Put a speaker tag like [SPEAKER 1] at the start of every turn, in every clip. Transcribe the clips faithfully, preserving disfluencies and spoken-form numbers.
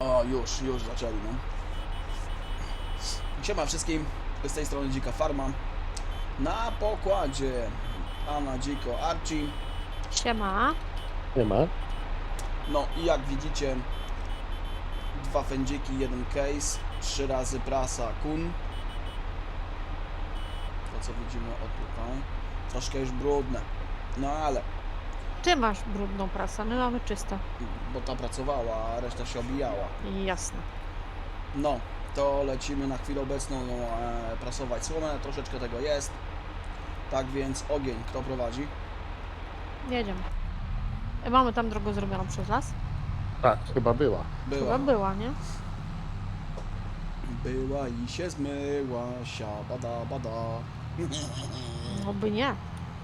[SPEAKER 1] O, już, już zaczęli, no. Siema wszystkim, z tej strony Dzika Farma. Na pokładzie Anna, Dziko, Archie.
[SPEAKER 2] Siema.
[SPEAKER 3] Nie ma.
[SPEAKER 1] No i jak widzicie, dwa fędziki, jeden case, trzy razy prasa kun. To co widzimy o tutaj. Troszkę już brudne, no ale,
[SPEAKER 2] Ty masz brudną prasę, my mamy czysto.
[SPEAKER 1] bo ta pracowała, a reszta się obijała.
[SPEAKER 2] Jasne.
[SPEAKER 1] No, to lecimy na chwilę obecną no, e, prasować słomę, troszeczkę tego jest. Tak więc ogień, kto prowadzi?
[SPEAKER 2] Jedziemy. E, Mamy tam drogę zrobioną przez las?
[SPEAKER 3] Tak, chyba była.
[SPEAKER 1] Była.
[SPEAKER 2] Chyba była, nie?
[SPEAKER 1] Była i się zmyła, sia bada bada.
[SPEAKER 2] No by nie.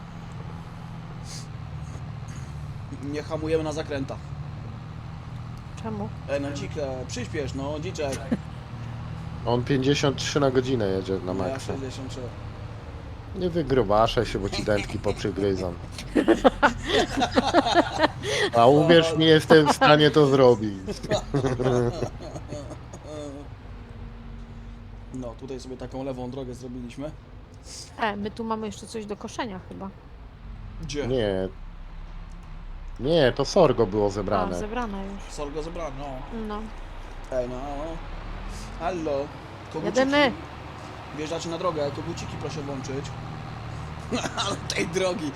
[SPEAKER 1] Nie hamujemy na zakrętach.
[SPEAKER 2] Czemu?
[SPEAKER 1] E, no dzikę, przyspiesz, no dziczek.
[SPEAKER 3] On pięćdziesiąt trzy na godzinę jedzie na
[SPEAKER 1] No ja
[SPEAKER 3] maksa.
[SPEAKER 1] sześćdziesiąt trzy.
[SPEAKER 3] Nie wygrubaszaj się, bo ci dętki poprzygryzą. A uwierz mi, jestem w stanie to zrobić.
[SPEAKER 1] No, tutaj sobie taką lewą drogę zrobiliśmy.
[SPEAKER 2] E, my tu mamy jeszcze coś do koszenia chyba.
[SPEAKER 1] Gdzie?
[SPEAKER 3] Nie. Nie, to sorgo było
[SPEAKER 2] A,
[SPEAKER 3] zebrane.
[SPEAKER 2] zebrane już.
[SPEAKER 1] Sorgo zebrano.
[SPEAKER 2] No.
[SPEAKER 1] Ej, no. Hallo. Koguciki.
[SPEAKER 2] Jedziemy.
[SPEAKER 1] Wjeżdżacie na drogę, koguciki proszę włączyć. Ale tej drogi.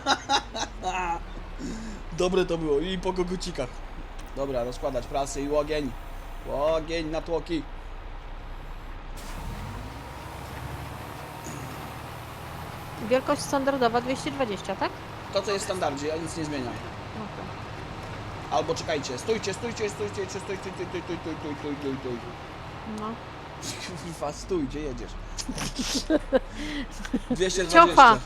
[SPEAKER 1] Dobre to było i po kogucikach. Dobra, rozkładać prasy i ogień. Ogień na tłoki.
[SPEAKER 2] Wielkość standardowa dwieście dwadzieścia, tak?
[SPEAKER 1] To co jest w standardzie, ja nic nie zmieniam.
[SPEAKER 2] Okej.
[SPEAKER 1] Albo czekajcie, stójcie, stójcie, stójcie, stójcie, stójcie, stójcie, stójcie, stójcie, stójcie, stójcie, stójcie.
[SPEAKER 2] No.
[SPEAKER 1] Kurwa, stój, gdzie jedziesz? dwieście dwadzieścia.
[SPEAKER 2] Ciocha.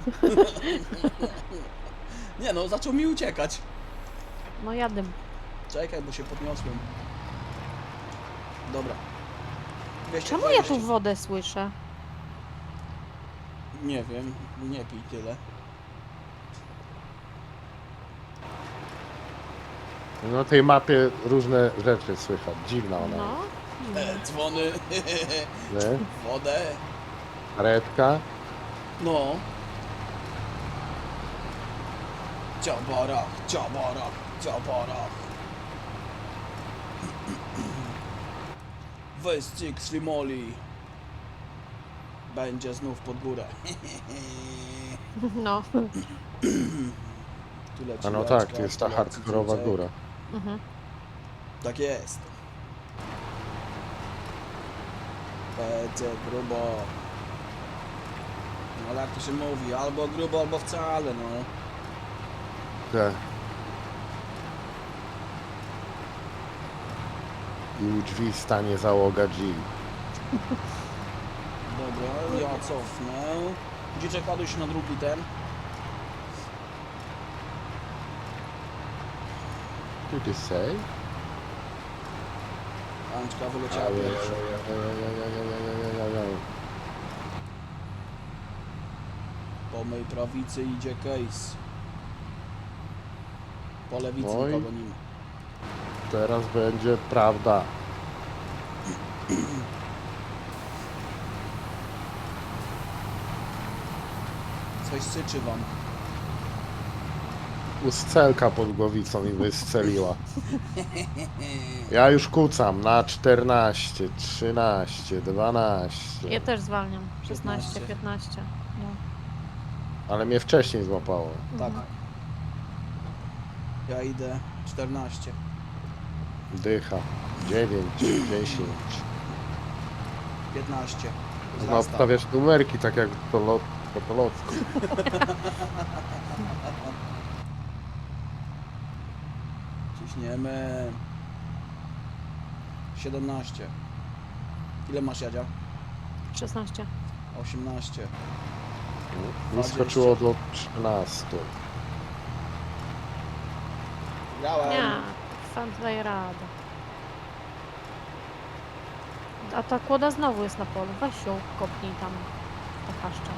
[SPEAKER 1] Nie no, zaczął mi uciekać.
[SPEAKER 2] No jadę.
[SPEAKER 1] Czekaj, bo się podniosłem. Dobra. dwieście
[SPEAKER 2] Czemu ja
[SPEAKER 1] dwadzieścia.
[SPEAKER 2] tu wodę słyszę?
[SPEAKER 1] Nie wiem, nie pij tyle.
[SPEAKER 3] Na tej mapie różne rzeczy słychać. Dziwna ona
[SPEAKER 2] No.
[SPEAKER 1] E, dzwony,
[SPEAKER 3] jest. Nie?
[SPEAKER 1] wodę.
[SPEAKER 3] Karetka.
[SPEAKER 1] No. Ciabarach, ciabarach, ciabarach. Wyścig Slimoli. Będzie znów pod górę.
[SPEAKER 2] No.
[SPEAKER 1] Tu leci
[SPEAKER 3] A no
[SPEAKER 1] leczka,
[SPEAKER 3] tak, to jest ta
[SPEAKER 1] tu leci
[SPEAKER 3] hardkorowa
[SPEAKER 1] dzieciak.
[SPEAKER 3] góra.
[SPEAKER 2] Mhm.
[SPEAKER 1] Tak jest. Będzie grubo. No ale jak to się mówi, albo grubo, albo wcale, no.
[SPEAKER 3] Tak. I u drzwi stanie załoga G.
[SPEAKER 1] Dobra, ja cofnę. Dzieciak, ładuj się na drugi ten.
[SPEAKER 3] Did you say?
[SPEAKER 1] Anczka wyleciała pierwsza. Po mej prawicy idzie case. Po lewicy
[SPEAKER 3] Oj.
[SPEAKER 1] nikogo nie ma.
[SPEAKER 3] Teraz będzie prawda.
[SPEAKER 1] Coś syczy wam.
[SPEAKER 3] Uscelka pod głowicą mi wystrzeliła. Ja już kucam na czternaście, trzynaście, dwanaście.
[SPEAKER 2] Ja też zwalniam. szesnaście,
[SPEAKER 1] piętnaście.
[SPEAKER 2] piętnaście. No.
[SPEAKER 3] Ale mnie wcześniej złapało.
[SPEAKER 1] Tak.
[SPEAKER 2] Mhm.
[SPEAKER 1] Ja idę czternaście.
[SPEAKER 3] Dycha. dziewięć, dziesięć.
[SPEAKER 1] piętnaście.
[SPEAKER 3] No
[SPEAKER 1] Wzrasta.
[SPEAKER 3] obstawiasz numerki tak jak to lot, to po lotku.
[SPEAKER 1] Ciśniemy. siedemnaście. Ile masz, Jadzia?
[SPEAKER 2] szesnaście.
[SPEAKER 1] osiemnaście.
[SPEAKER 3] Mi skoczyło do trzynastu.
[SPEAKER 1] Grałem.
[SPEAKER 2] Nie, fan daje radę. A ta kłoda znowu jest na polu. Weź ją, kopnij tam. Ta haszcza.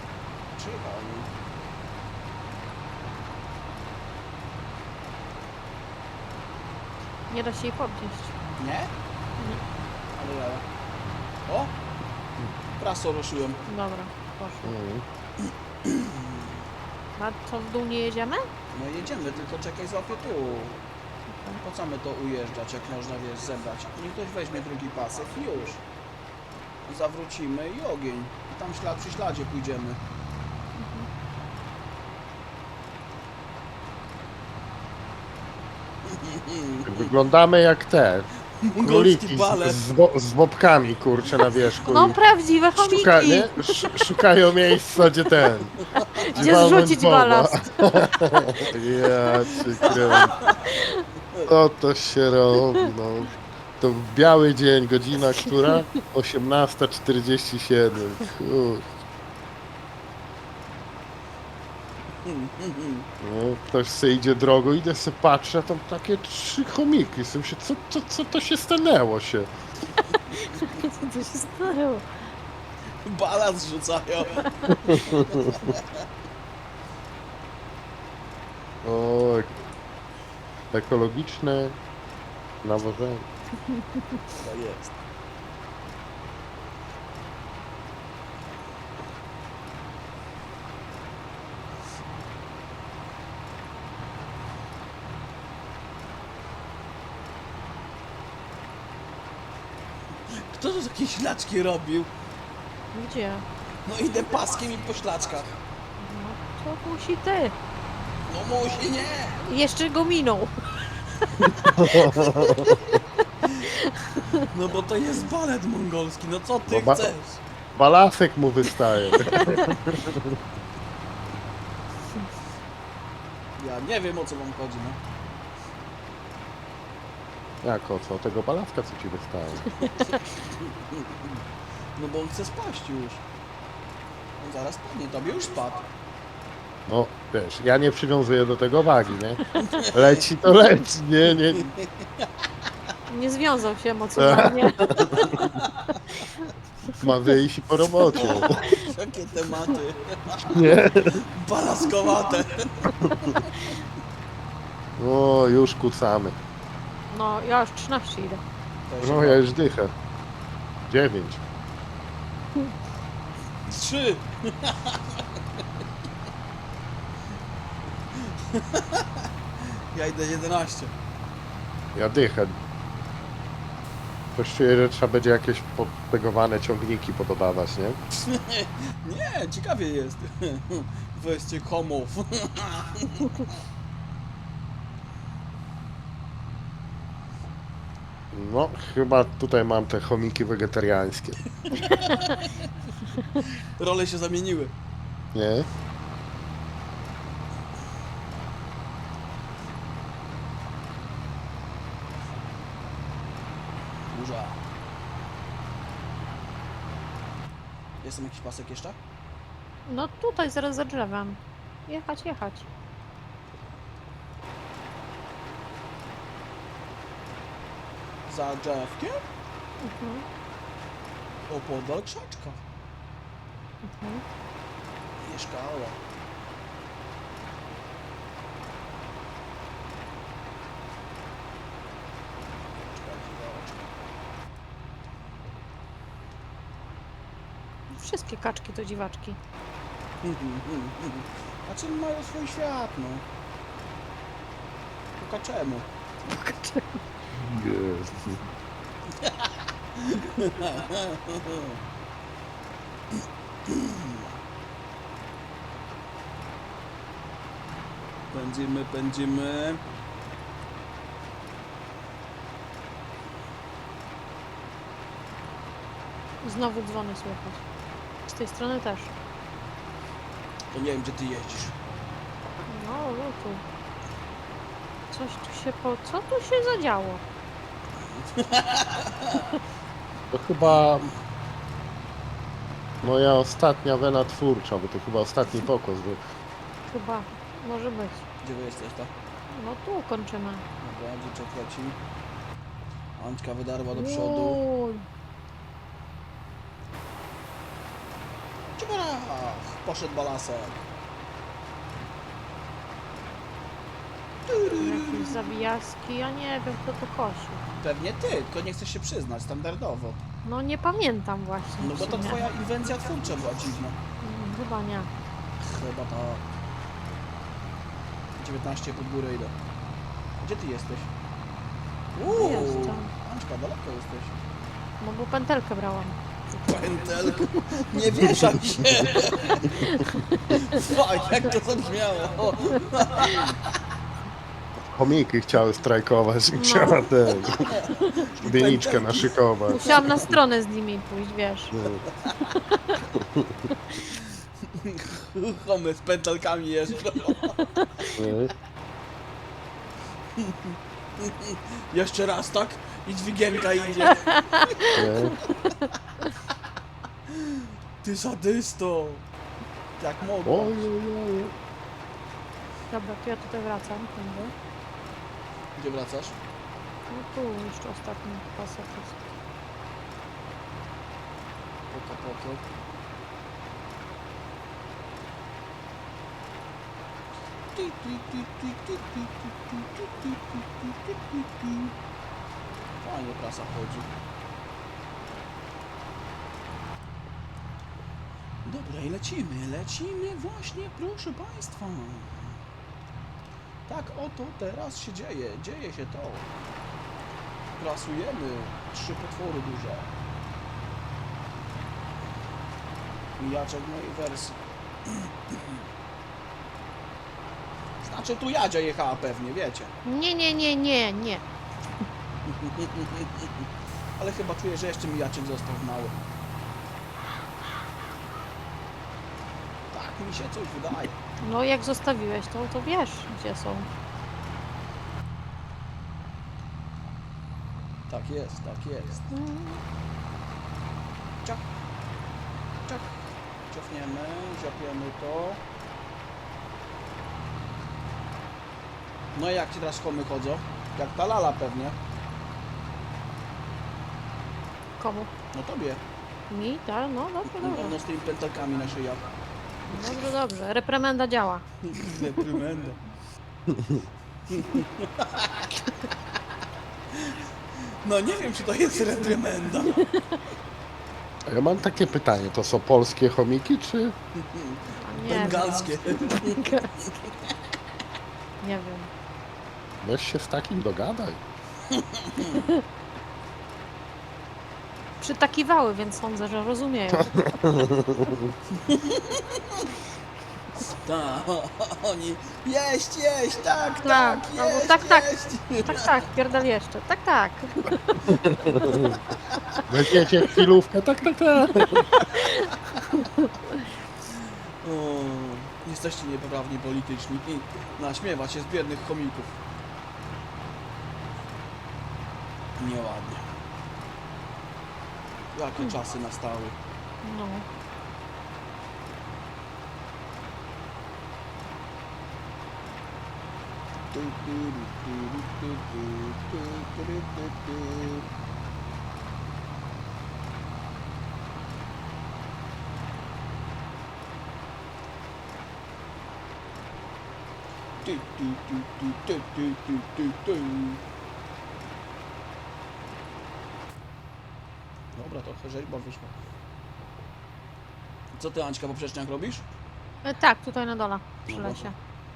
[SPEAKER 1] Przyjechał.
[SPEAKER 2] Nie da się jej podnieść.
[SPEAKER 1] Nie?
[SPEAKER 2] Nie.
[SPEAKER 1] Ale ja. O! Praso ruszyłem.
[SPEAKER 2] Dobra, poszło.
[SPEAKER 3] Mm.
[SPEAKER 2] A co, w dół nie jedziemy?
[SPEAKER 1] No jedziemy, tylko czekaj, złapię tu. Po co my to ujeżdżać, jak można, wiesz, zebrać? Niech ktoś weźmie drugi pasek i już. Zawrócimy i ogień. I tam ślad przy śladzie pójdziemy.
[SPEAKER 3] Wyglądamy jak te
[SPEAKER 1] Mongolski
[SPEAKER 3] króliki z,
[SPEAKER 1] balet.
[SPEAKER 3] z, wo- z bobkami, kurczę, na wierzchu.
[SPEAKER 2] No
[SPEAKER 3] i
[SPEAKER 2] prawdziwe
[SPEAKER 3] szuka,
[SPEAKER 2] chomiki!
[SPEAKER 3] nie? Sz- szukają miejsca, gdzie ten.
[SPEAKER 2] Gdzie
[SPEAKER 3] walnąć
[SPEAKER 2] zrzucić
[SPEAKER 3] boba.
[SPEAKER 2] balast?
[SPEAKER 3] Ja cię kręcę. Co to się robi, no. To biały dzień, godzina która? osiemnasta czterdzieści siedem. Kur... No, ktoś se idzie drogą, idę se patrzę, a tam takie trzy chomiki. Sobie się, co, co, co to się stanęło się?
[SPEAKER 2] Co się stało?
[SPEAKER 1] Balans rzucają.
[SPEAKER 3] O, ekologiczne nawożenie.
[SPEAKER 1] To jest. Kto to takie ślaczki robił?
[SPEAKER 2] Gdzie?
[SPEAKER 1] No idę paskiem i po ślaczkach.
[SPEAKER 2] No to musi ty.
[SPEAKER 1] No musi, nie!
[SPEAKER 2] Jeszcze go minął.
[SPEAKER 1] No bo to jest balet mongolski, no co ty
[SPEAKER 3] No ba-
[SPEAKER 1] chcesz?
[SPEAKER 3] Balasek mu wystaje.
[SPEAKER 1] Ja nie wiem, o co wam chodzi, no.
[SPEAKER 3] Jak o co? Tego balaska co ci wystaje?
[SPEAKER 1] No bo on chce spaść już. On zaraz padnie, tobie już spadł.
[SPEAKER 3] No wiesz, ja nie przywiązuję do tego wagi, nie? Leci to leci, nie, nie.
[SPEAKER 2] Nie związał się emocjonalnie.
[SPEAKER 3] Ma wyjść i po robocie.
[SPEAKER 1] Jakie tematy.
[SPEAKER 3] Nie.
[SPEAKER 1] Balaskowate.
[SPEAKER 3] O, już kucamy.
[SPEAKER 2] No ja już trzynaście idę.
[SPEAKER 3] No ja już dychę. Dziewięć.
[SPEAKER 1] Trzy. Ja idę jedenaście.
[SPEAKER 3] Ja dychę. Coś czuję, że trzeba będzie jakieś podtegowane ciągniki podobawać, nie?
[SPEAKER 1] Nie, ciekawie jest. Weźcie komów.
[SPEAKER 3] No, chyba tutaj mam te chomiki wegetariańskie.
[SPEAKER 1] Role się zamieniły.
[SPEAKER 3] Nie?
[SPEAKER 1] Burza. Jest tam jakiś pasek jeszcze?
[SPEAKER 2] No tutaj zaraz za drzewem. Jechać, jechać.
[SPEAKER 1] Za drzewkiem?
[SPEAKER 2] Mhm.
[SPEAKER 1] Opodal krzaczka.
[SPEAKER 2] Mhm.
[SPEAKER 1] Mieszkała.
[SPEAKER 2] Wszystkie kaczki to dziwaczki.
[SPEAKER 1] Znaczy mają swój świat, no. Tylko czemu?
[SPEAKER 3] Jezu.
[SPEAKER 1] Pędzimy, pędzimy.
[SPEAKER 2] Znowu dzwony słychać. Z tej strony też.
[SPEAKER 1] To nie wiem, gdzie ty jeździsz.
[SPEAKER 2] No, no tu. Coś tu się po... Co tu się zadziało?
[SPEAKER 3] To chyba moja ostatnia wena twórcza, bo to chyba ostatni pokos był.
[SPEAKER 2] Chyba. Może być.
[SPEAKER 1] Gdzie wy jesteś, to?
[SPEAKER 2] No tu kończymy.
[SPEAKER 1] Dobra, dzieciak leci. Antka wydarła do przodu.
[SPEAKER 2] Uj.
[SPEAKER 1] Ciuparach! Poszedł balasek.
[SPEAKER 2] Jakieś zabijaski, ja nie wiem kto to kosił.
[SPEAKER 1] Pewnie ty, tylko nie chcesz się przyznać, standardowo.
[SPEAKER 2] No nie pamiętam właśnie.
[SPEAKER 1] No bo
[SPEAKER 2] w
[SPEAKER 1] to
[SPEAKER 2] sumie.
[SPEAKER 1] twoja inwencja twórcza była dziwna.
[SPEAKER 2] Mm, Chyba nie.
[SPEAKER 1] Chyba tak. dziewiętnaście pod górę idę. Gdzie ty jesteś? Uuu,
[SPEAKER 2] Jestem.
[SPEAKER 1] Anczka, daleko jesteś.
[SPEAKER 2] No bo pętelkę brałam.
[SPEAKER 1] Pętelku, nie wieszam się! Fuck, jak to zabrzmiało!
[SPEAKER 3] Chomiki chciały strajkować i
[SPEAKER 2] No.
[SPEAKER 3] chciała ten... Bieniczkę naszykować.
[SPEAKER 2] Musiałam na stronę z nimi pójść, wiesz.
[SPEAKER 3] No,
[SPEAKER 1] Chomy z pętelkami jeżdżą.
[SPEAKER 3] nie?
[SPEAKER 1] Jeszcze raz, tak? I dźwigienka idzie.
[SPEAKER 3] Nie?
[SPEAKER 1] Ty sadysto! Jak mogła.
[SPEAKER 3] Oj, oj, oj.
[SPEAKER 2] Dobra, to ja tutaj wracam. Tędy.
[SPEAKER 1] Gdzie wracasz?
[SPEAKER 2] No tu jeszcze ostatni pasek jest.
[SPEAKER 1] Poko, poko. Fajnie prasa chodzi. Dobra, i lecimy, lecimy właśnie, proszę Państwa. Tak oto teraz się dzieje, dzieje się to. Prasujemy trzy potwory duże. Mijaczek mojej wersji. Znaczy tu Jadzia jechała pewnie, wiecie.
[SPEAKER 2] Nie, nie, nie, nie, nie.
[SPEAKER 1] Ale chyba czuję, że jeszcze mijaczek został mały. Tak mi się coś wydaje.
[SPEAKER 2] No jak zostawiłeś to, to wiesz gdzie są.
[SPEAKER 1] Tak jest, tak jest.
[SPEAKER 2] Mm.
[SPEAKER 1] Ciach. Ciach. Ciofniemy, ziopiemy to. No i jak ci teraz komy chodzą? Jak ta lala pewnie.
[SPEAKER 2] Komu?
[SPEAKER 1] No tobie.
[SPEAKER 2] Mi? Tak? No dobrze,
[SPEAKER 1] No,
[SPEAKER 2] dobrze.
[SPEAKER 1] no z tymi pętelkami na szyjach.
[SPEAKER 2] Dobrze, dobrze. Reprymenda działa.
[SPEAKER 1] Reprymenda. No nie wiem, czy to jest reprymenda.
[SPEAKER 3] A ja mam takie pytanie, to są polskie chomiki, czy...
[SPEAKER 2] A nie
[SPEAKER 1] Bengalskie.
[SPEAKER 2] wiem. Nie wiem.
[SPEAKER 3] Weź się z takim dogadaj.
[SPEAKER 2] Przytakiwały, więc sądzę, że rozumieją.
[SPEAKER 1] Tak, oni jeść, jeść, tak,
[SPEAKER 2] Tak,
[SPEAKER 1] tak,
[SPEAKER 2] no bo
[SPEAKER 1] jeść,
[SPEAKER 2] tak, tak.
[SPEAKER 1] jeść.
[SPEAKER 2] Tak, tak, pierdol jeszcze. Tak, tak.
[SPEAKER 3] Weźmiecie chwilówkę, tak, tak, tak.
[SPEAKER 1] O, jesteście niepoprawni polityczni i naśmiewa się z biednych chomików. Nieładnie. Jakie czasy nastały.
[SPEAKER 2] No.
[SPEAKER 1] Tu, tu, tu, tu, tu, tu, tu, tu, tu, tu. Tu, tu, tu, tu, tu, tu, tu, tu, tu. Dobra, trochę rzeźba wyszła. Co ty, Anćka, po przeczniach robisz?
[SPEAKER 2] E, tak, tutaj na dole, przy
[SPEAKER 1] No
[SPEAKER 2] lesie.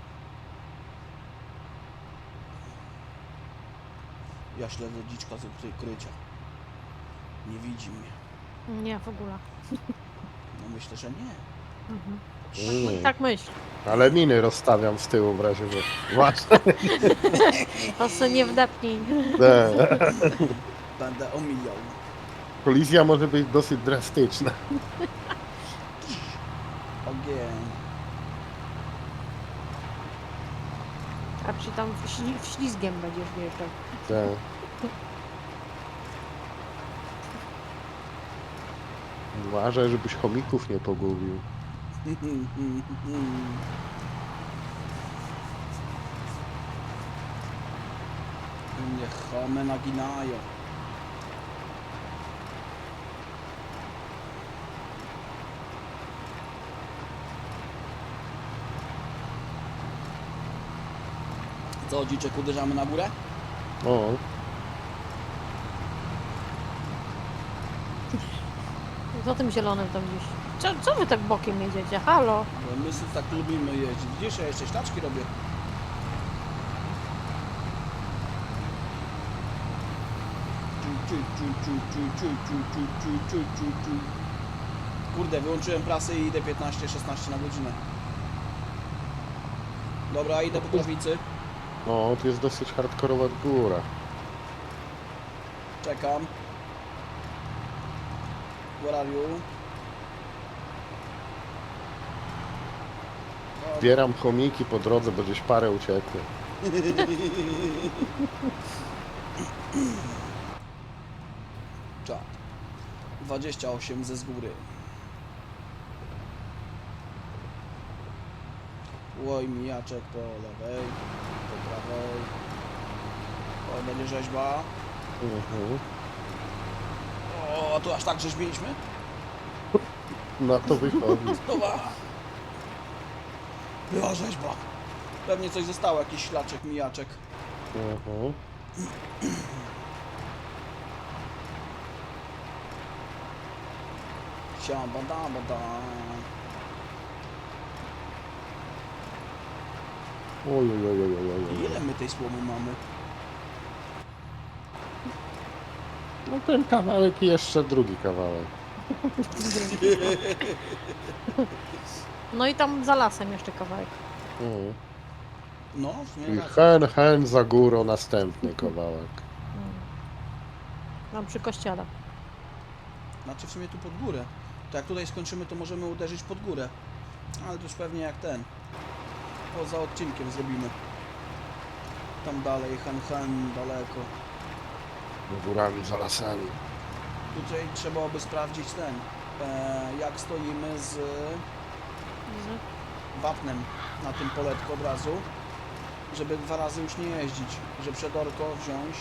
[SPEAKER 1] Ja śledzę dziczka z ukry- krycia. Nie widzi mnie.
[SPEAKER 2] Nie, w ogóle.
[SPEAKER 1] No myślę, że nie.
[SPEAKER 2] Mhm.
[SPEAKER 3] Mm.
[SPEAKER 2] Tak myśl.
[SPEAKER 3] Ale miny rozstawiam z tyłu w razie, że... Właśnie.
[SPEAKER 2] To se nie wdepnij.
[SPEAKER 3] Nie.
[SPEAKER 1] Będę omijał.
[SPEAKER 3] Kolizja może być dosyć drastyczna.
[SPEAKER 1] Ogień.
[SPEAKER 2] A czy tam śli ślizgiem będziesz wjeżdżał.
[SPEAKER 3] Tak. Uważaj, żebyś chomików nie pogubił.
[SPEAKER 1] Mnie chomy naginają. Co, dziczek, uderzamy na górę?
[SPEAKER 3] O,
[SPEAKER 2] Za tym zielonym tam gdzieś. Co, co wy tak bokiem jedziecie? Halo?
[SPEAKER 1] Bo my sobie tak lubimy jeździć. Widzisz, ja jeszcze ślaczki robię. Ciu, ciu, ciu, ciu, ciu, ciu, ciu, ciu, ciu, ciu, ciu. Kurde, wyłączyłem prasę i idę piętnaście szesnaście na godzinę. Dobra, idę po prawicy.
[SPEAKER 3] no, to jest dosyć hardkorowa góra.
[SPEAKER 1] Czekam. Where are you? O,
[SPEAKER 3] Zbieram chomiki po drodze, bo gdzieś parę uciekły.
[SPEAKER 1] czat. dwadzieścia osiem ze z góry. Łoj, mijaczek po lewej, po prawej. O, będzie rzeźba.
[SPEAKER 3] Mhm.
[SPEAKER 1] O, tu aż tak rzeźbiliśmy?
[SPEAKER 3] Na to wychodzi.
[SPEAKER 1] Dobra. Była rzeźba. Pewnie coś zostało, jakiś ślaczek, mijaczek.
[SPEAKER 3] Mhm.
[SPEAKER 1] Siam, badam, badam.
[SPEAKER 3] Oj, oj, oj, oj, oj, oj.
[SPEAKER 1] Ile my tej słomy mamy?
[SPEAKER 3] No ten kawałek i jeszcze drugi kawałek.
[SPEAKER 2] No i tam za lasem jeszcze kawałek.
[SPEAKER 3] Mhm.
[SPEAKER 1] No, w sumie
[SPEAKER 3] I
[SPEAKER 1] racja.
[SPEAKER 3] hen, hen za górą następny kawałek.
[SPEAKER 2] Mm. Tam przy kościele.
[SPEAKER 1] Znaczy w sumie tu pod górę. To jak tutaj skończymy, to możemy uderzyć pod górę. Ale to już pewnie jak ten. Poza odcinkiem zrobimy. Tam dalej, han han, daleko.
[SPEAKER 3] Górami, za lasami.
[SPEAKER 1] Tutaj trzeba by sprawdzić ten. E, jak stoimy z
[SPEAKER 2] Widzę.
[SPEAKER 1] wapnem na tym poletku od razu. Żeby dwa razy już nie jeździć. Że przedorko wziąć.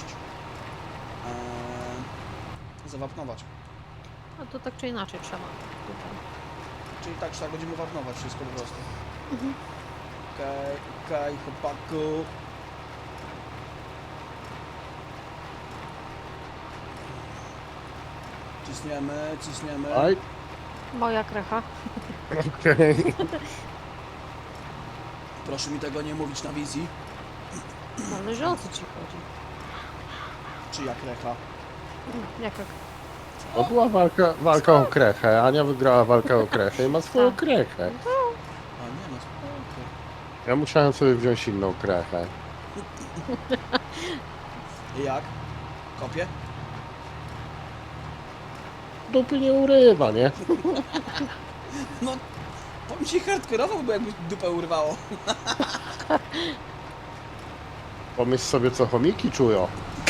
[SPEAKER 1] E, zawapnować.
[SPEAKER 2] A to tak czy inaczej trzeba. Tutaj.
[SPEAKER 1] Czyli tak, czy tak będziemy wapnować wszystko po prostu.
[SPEAKER 2] Mhm.
[SPEAKER 1] Okej, okej, chłopaku. Cisniemy, cisniemy.
[SPEAKER 3] Aj,
[SPEAKER 2] Moja krecha.
[SPEAKER 3] okej.
[SPEAKER 1] Proszę mi tego nie mówić na wizji.
[SPEAKER 2] Zależy o co ci chodzi.
[SPEAKER 1] Czy jak recha?
[SPEAKER 2] Mm, Jak jak?
[SPEAKER 3] To była walka, walka o krechę. Ania wygrała walkę o krechę i ma swoją
[SPEAKER 2] Tak.
[SPEAKER 3] krechę.
[SPEAKER 1] A nie no, spoko.
[SPEAKER 3] Ja musiałem sobie wziąć inną krechę.
[SPEAKER 1] I jak? Kopię?
[SPEAKER 3] Dupy nie urywa, nie?
[SPEAKER 1] No, powiem ci hardkorowo, bo jakby dupę urwało.
[SPEAKER 3] Pomyśl sobie, co chomiki czują.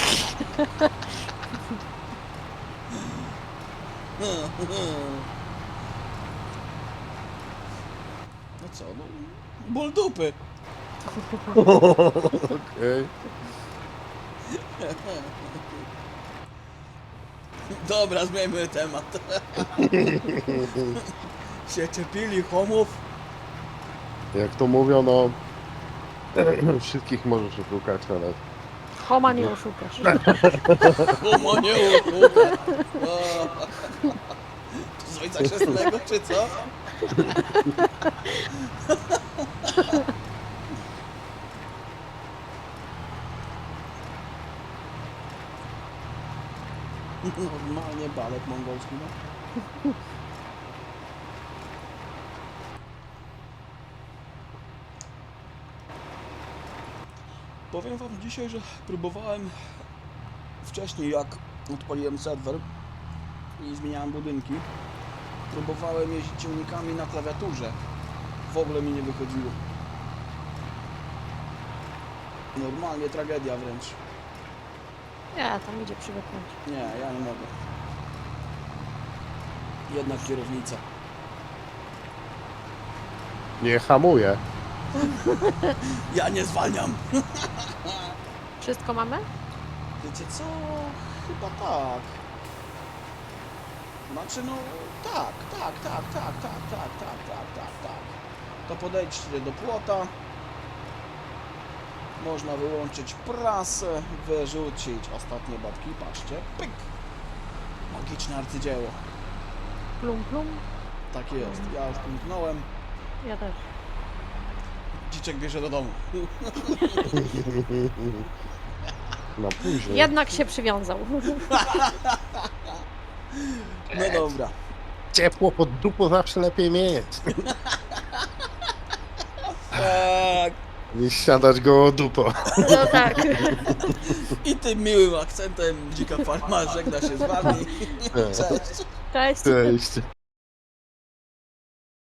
[SPEAKER 1] No co, no, ból dupy.
[SPEAKER 3] Okej.
[SPEAKER 1] Dobra, zmieńmy temat. Się czepili homów.
[SPEAKER 3] Jak to mówią, no... Wszystkich możesz oszukać, ale...
[SPEAKER 2] Homa nie oszukasz.
[SPEAKER 1] Homo nie usługa. Z ojca chrzestnego, czy co? Normalnie balet mongolski, no. Powiem wam dzisiaj, że próbowałem wcześniej, jak odpaliłem serwer i zmieniałem budynki, próbowałem jeździć ciągnikami na klawiaturze. W ogóle mi nie wychodziło. Normalnie tragedia wręcz.
[SPEAKER 2] Nie, tam idzie przywyknąć.
[SPEAKER 1] Nie, ja nie mogę. Jednak kierownica.
[SPEAKER 3] Nie hamuje.
[SPEAKER 1] Ja nie zwalniam!
[SPEAKER 2] Wszystko mamy?
[SPEAKER 1] Wiecie co? Chyba tak. Znaczy no tak, tak, tak, tak, tak, tak, tak, tak, tak, tak. To podejdźcie do płota. Można wyłączyć prasę, wyrzucić ostatnie babki, patrzcie, pyk! Magiczne arcydzieło.
[SPEAKER 2] Plum, plum.
[SPEAKER 1] Tak jest, ja już pomknąłem,
[SPEAKER 2] Ja też.
[SPEAKER 1] dziczek bierze do domu.
[SPEAKER 3] Na później.
[SPEAKER 2] Jednak się przywiązał.
[SPEAKER 1] No dobra.
[SPEAKER 3] Ciepło pod dupą zawsze lepiej mieć.
[SPEAKER 1] Tak.
[SPEAKER 3] Niż siadać go o dupą.
[SPEAKER 2] No tak.
[SPEAKER 1] I tym miłym akcentem Dzika Farma żegna się z wami. Cześć.
[SPEAKER 2] Cześć.
[SPEAKER 3] Cześć.